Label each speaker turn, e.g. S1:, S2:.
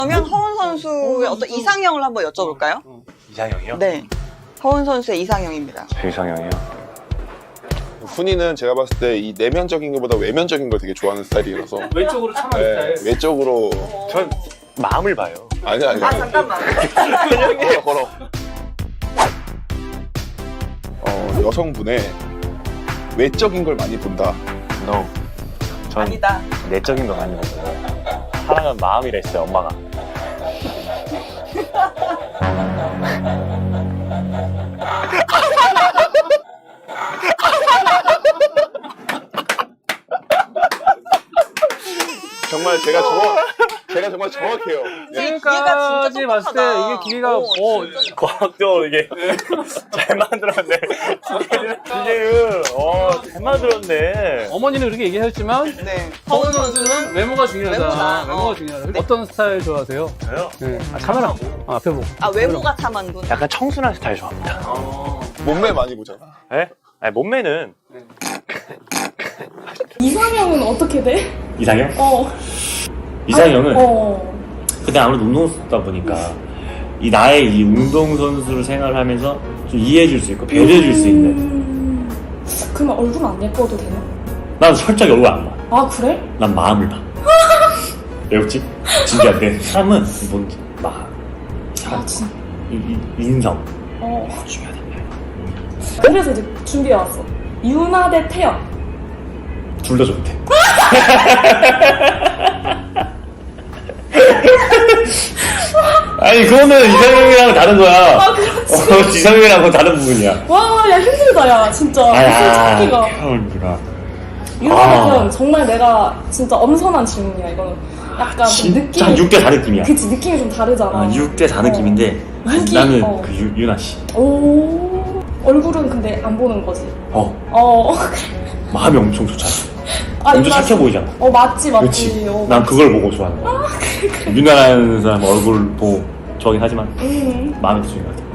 S1: 그러면 허운 선수의 어떤 이상형을 한번 여쭤볼까요?
S2: 이상형이요?
S1: 네. 허운 선수의 이상형입니다.
S2: 제 이상형이요?
S3: 훈이는 제가 봤을 때 이 내면적인 것보다 외면적인 걸 되게 좋아하는 스타일이라서
S4: 외적으로 참아는 스타일.
S3: 외적으로
S2: 전 마음을 봐요.
S3: 아니
S1: 잠깐만.
S3: 걸어 여성분의 외적인 걸 많이 본다.
S2: No. 전
S1: 아니다.
S2: 내적인 거 많이 봐요. 사랑은 마음이라 했어요, 엄마가.
S3: 정말 제가 정말 정확해요.
S4: 지금까지 봤을 때 이게 기계가
S2: 과학적으로 이게 잘 만들었네. 기계를 잘 만들었네.
S4: 어머니는 그렇게 얘기하셨지만
S1: 네.
S4: 허운 선수는 외모가 중요하다.
S1: 외모다.
S4: 외모가 중요하다.
S1: 네.
S4: 어떤 스타일 좋아하세요?
S2: 저요?
S4: 네. 카메라 앞에 보고.
S1: 아, 외모가 탐한 분.
S2: 약간 청순한 스타일 좋아합니다.
S3: 몸매 많이 보잖아.
S2: 네? 아니, 몸매는
S5: 이상형은 어떻게 돼?
S6: 이상형?
S5: 이상형은?
S6: 근데 아무래도 운동선수다 보니까 이 나의 이 운동선수로 생활을 하면서 좀 이해해줄 수 있고 배려해줄 수 있는.
S5: 그러면 얼굴 안 예뻐도 되나?
S6: 난 솔직히 얼굴 안 봐.
S5: 아, 그래?
S6: 난 마음을 봐. 왜 웃지? 진지한데 사람은 뭔지 마음,
S5: 아, 진짜.
S6: 인성
S5: 어.
S6: 중요하단 말이야.
S5: 그래서 이제 준비해왔어. 유나 대 태연.
S6: 둘 다 좋대. 아니 그거는 이상형이랑 다른 거야.
S5: 아, 그렇지.
S6: 이상형이랑 다른 부분이야.
S5: 와, 야, 힘들다, 야, 진짜. 무슨 찾기가.
S6: 태연이구나.
S5: 유나 대
S6: 아.
S5: 태연. 정말 내가 진짜 엄선한 질문이야, 이거는. 약간 좀
S6: 진짜
S5: 느낌이.
S6: 6대 4 느낌이야.
S5: 그치, 느낌이 좀 다르잖아.
S6: 6대 4 느낌인데
S5: 무기?
S6: 나는
S5: 어.
S6: 그 유나 씨.
S5: 오. 얼굴은 근데 안 보는 거지.
S6: 어. 마음이 엄청 좋잖아.
S5: 아,
S6: 엄청
S5: 유나
S6: 착해
S5: 씨.
S6: 보이잖아.
S5: 맞지.
S6: 그렇지.
S5: 어,
S6: 난 그걸 보고 좋아하는 거야. 유나라는 사람 얼굴 보고 좋아하긴 하지만 마음이 더 중요하다.